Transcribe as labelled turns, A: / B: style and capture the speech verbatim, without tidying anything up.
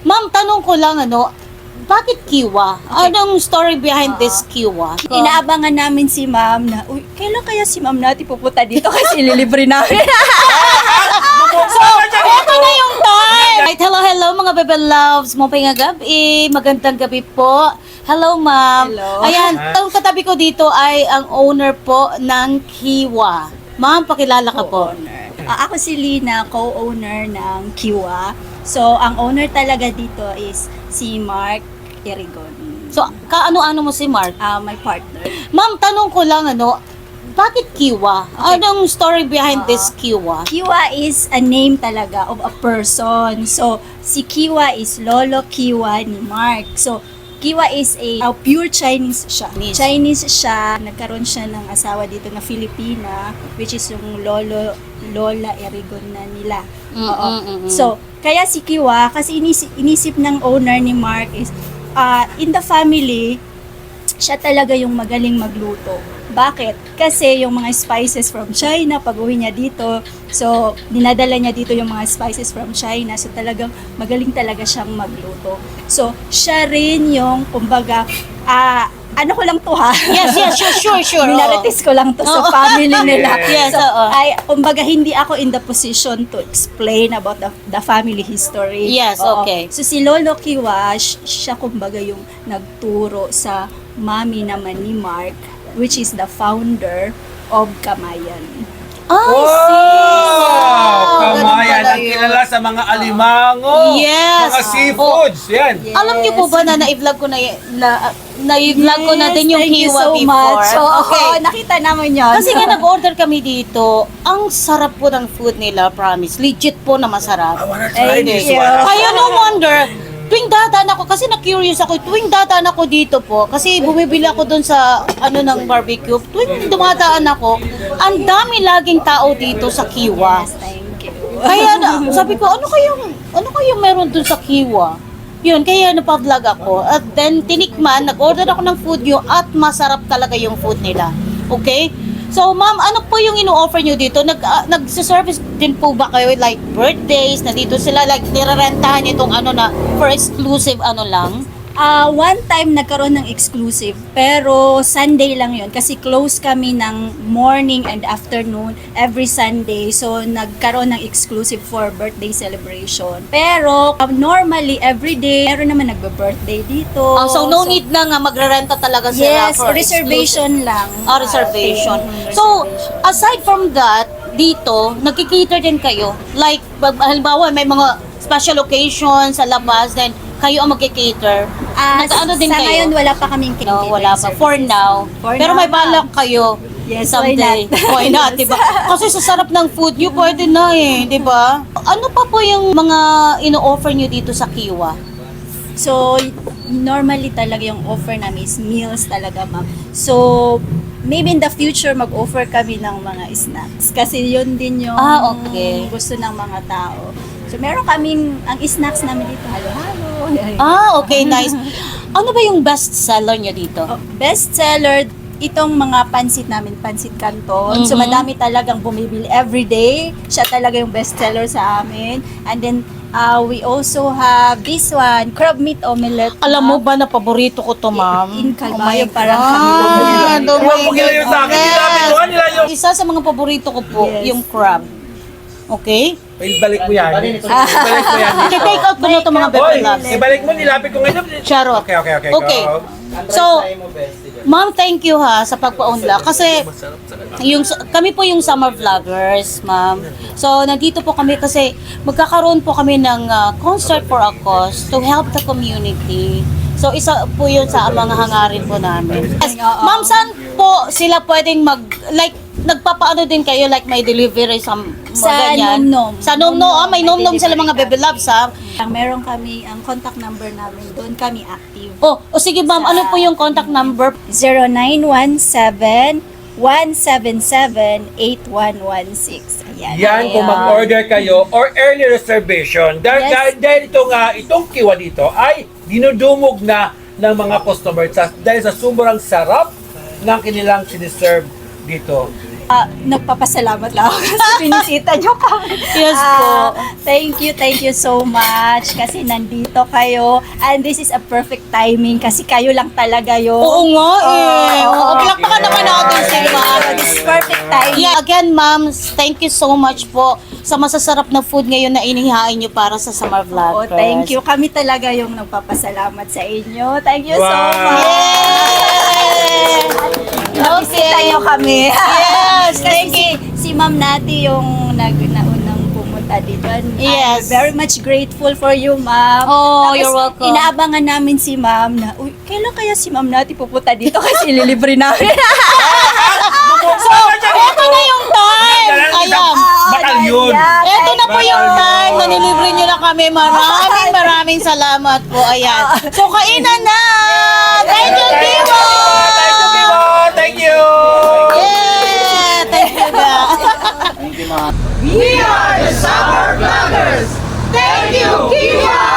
A: Ma'am, tanong ko lang, ano, bakit kiwa? Anong story behind this kiwa?
B: Inaabangan namin si ma'am na, uy, kailan kaya si ma'am natin pupunta dito kasi ililibre namin.
A: So, eto na yung time! Right, hello, hello mga bebe loves. Mupay nga gabi. Magandang gabi po. Hello, ma'am.
B: Hello.
A: Ayan, ang katabi ko dito ay ang owner po ng Kiwa. Ma'am, pakilala ka po.
B: Co-owner. Ah, ako si Lina, co-owner ng Kiwa. So, ang owner talaga dito is si Mark Erigon.
A: So, kaano-ano mo si Mark?
B: Ah, my partner.
A: Ma'am, tanong ko lang, ano, bakit Kiwa? Anong story behind this Kiwa?
B: Kiwa is a name talaga of a person. So, si Kiwa is Lolo Kiwa ni Mark. So, Kiwa is a, a pure Chinese siya.
A: Chinese.
B: Chinese siya. Nagkaroon siya ng asawa dito na Filipina, which is yung Lolo, Lola Erigon na nila.
A: Mm,
B: Oo.
A: mm, mm, mm.
B: So, kaya si Kiwa, kasi inisip, inisip ng owner ni Mark is, uh, in the family, siya talaga yung magaling magluto. Bakit? Kasi yung mga spices from China, pag uwi niya dito, so, dinadala niya dito yung mga spices from China. So, talagang magaling talaga siyang magluto. So, siya rin yung, kumbaga, ah, ano ko lang to ha?
A: Yes, yes, sure, sure, sure.
B: Minarites ko lang to sa
A: Oo.
B: family nila.
A: Yes,
B: so,
A: oo.
B: ay, kumbaga, hindi ako in the position to explain about the, the family history.
A: Yes,
B: Oo.
A: okay.
B: So, si Lolo Kiwa, sh- siya kumbaga yung nagturo sa mami naman ni Mark, which is the founder of Kamayan.
A: I
C: Wow!
A: see. Ganun
C: Kamayan
A: pala
C: ang
A: yun.
C: kilala sa mga alimango.
A: Yes.
C: Mga seafoods. Yan.
B: Yes.
A: Alam niyo po ba na na-vlog ko na, y- na, na-vlog ko na din yung
B: thank you
A: Kiwa
B: so
A: before?
B: much. So,
A: Okay.
B: okay. nakita naman yun.
A: Kasi nga nag-order kami dito, ang sarap po ng food nila, promise. Legit po na masarap.
C: I wanna try
B: Thank
C: this
B: you.
C: one.
A: Kaya no wonder, tuwing dadaan ako, kasi na-curious ako, tuwing dadaan ako dito po, kasi bumibili ako dun sa, ano, ng barbecue, tuwing dumadaan ako, ang dami laging tao dito sa Kiwa.
B: Yes, thank you.
A: Kaya na, sabi ko, ano kayang, ano kayang meron dun sa Kiwa? Yun, kaya napa-vlog ako. At then, tinikman, nag-order ako ng food nyo at masarap talaga yung food nila. Okay? So, ma'am, ano po yung ino-offer nyo dito? Nag, uh, nag-service din po ba kayo like birthdays na dito sila? Like, nirarentahan itong ano na for exclusive ano lang?
B: Ah, one time nagkaroon ng exclusive, pero Sunday lang yun kasi close kami ng morning and afternoon every Sunday. So nagkaroon ng exclusive for birthday celebration. Pero um, normally every day meron naman nagbe-birthday dito.
A: Ah, so, no need na nga magrerenta talaga sila
B: Yes,
A: for
B: reservation lang.
A: Ah, reservation.
B: Ah,
A: So,
B: reservation.
A: aside from that, dito, nagkikater din kayo? Like, pag- halimbawa, may mga special occasion sa labas, then kayo ang magkikater.
B: Ah,
A: Nag-ano din
B: sa
A: kayo?
B: ngayon wala pa kaming
A: No,
B: kinitip
A: wala pa.
B: services.
A: For now.
B: For
A: Pero
B: now
A: may balak
B: pa.
A: kayo.
B: Yes,
A: someday.
B: why not?
A: Why not,
B: Yes.
A: diba? Kasi sa sarap ng food nyo, pwede na eh, diba? Ano pa po yung mga ino-offer nyo dito sa Kiwa?
B: So, normally talaga yung offer namin is meals talaga, ma'am. So, maybe in the future mag-offer kami ng mga snacks. Kasi yun din yung
A: Ah, okay.
B: gusto ng mga tao. So, meron kaming, ang snacks namin dito, halo-halo.
A: Ah, okay, nice. Ano ba yung best seller nyo dito?
B: Oh, best seller, itong mga pansit namin, pansit canton. So,
A: Mhm.
B: madami talagang bumibili every day. Siya talaga yung best seller sa amin. And then, uh, we also have this one, crab meat omelette.
A: Alam mo ba na paborito ko to, ma'am?
B: In Calmayo, parang
A: God.
B: kami.
A: Oh my
C: Huwag mo kilala yun sa akin.
A: goodness.
C: Nilapit ko, nila yung...
A: Isa sa mga paborito ko po,
B: Yes.
A: yung crab. Okay?
C: Ibalik mo yan. Ibalik mo yan.
A: I-take out ko na ito mga
C: Hoy,
A: bebe loves.
C: ibalik mo, nilapit ko ngayon.
A: Charot.
C: Okay, okay, okay.
A: Okay.
C: Go.
A: So, ma'am, thank you ha sa pagpa-unlock. Kasi, yung, kami po yung summer vloggers, ma'am. So, nandito po kami kasi magkakaroon po kami ng uh, concert for a cause to help the community. So, isa po yun sa mga hangarin po namin. Yes. Ma'am, saan po sila pwedeng mag, like, nagpapaano din kayo, like may delivery sa mga
B: Sa
A: ganyan?
B: Nomnom.
A: Sa Nomnom. Ah, may
B: May
A: Nomnom sila mga
B: delivery
A: baby loves, ha?
B: Ang meron kami, ang contact number namin, doon kami active.
A: Oh, o sige ma'am, ano po yung contact number?
B: zero nine one seven, one seven seven, eight one one six. Ayan.
C: Yan, kung mag-order kayo or early reservation. Dahil,
B: Yes.
C: dahil, dahil itong, uh, itong Kiwa dito ay dinudumog na ng mga customer sa, dahil sa sobrang sarap ng kanilang siniserve dito.
B: Ah, nagpapasalamat lang ako kasi binisita niyo kami.
A: Yes
B: Ah,
A: po.
B: Thank you, thank you so much kasi nandito kayo and this is a perfect timing kasi kayo lang talaga yung
A: Oo nga eh.
B: Oo.
A: Oo, palakpakan naman natin si ma'am.
B: This is perfect timing.
A: Yeah, again, ma'am, thank you so much po sa masasarap na food ngayon na inihain nyo para sa Summer
B: Oh,
A: Vloggers.
B: thank you. Kami talaga yung nagpapasalamat sa inyo. Thank you so
C: Wow.
B: much.
A: Yay!
B: Nabisita
A: Okay.
B: niyo kami.
A: Yes, thank
B: Kasi si, si Ma'am Nati yung nag naunang pumunta dito. And
A: Yes.
B: I'm very much grateful for you, Ma'am.
A: Oh,
B: Tapos,
A: you're welcome.
B: Inaabangan namin si Ma'am na, uy, kailan kaya si Ma'am Nati pupunta dito kasi ililibre namin.
C: So,
A: Eto na yung time! Ayan.
C: Batalyon.
A: Eto na po yung time na nilibre nyo na kami. Maraming maraming salamat po. Ayan. So, kainan na! Thank you, Divo!
C: Thank you, Divo! Thank you!
A: Yeah! Thank you, guys.
D: We are the Summer Vloggers! Thank you, Kiwa!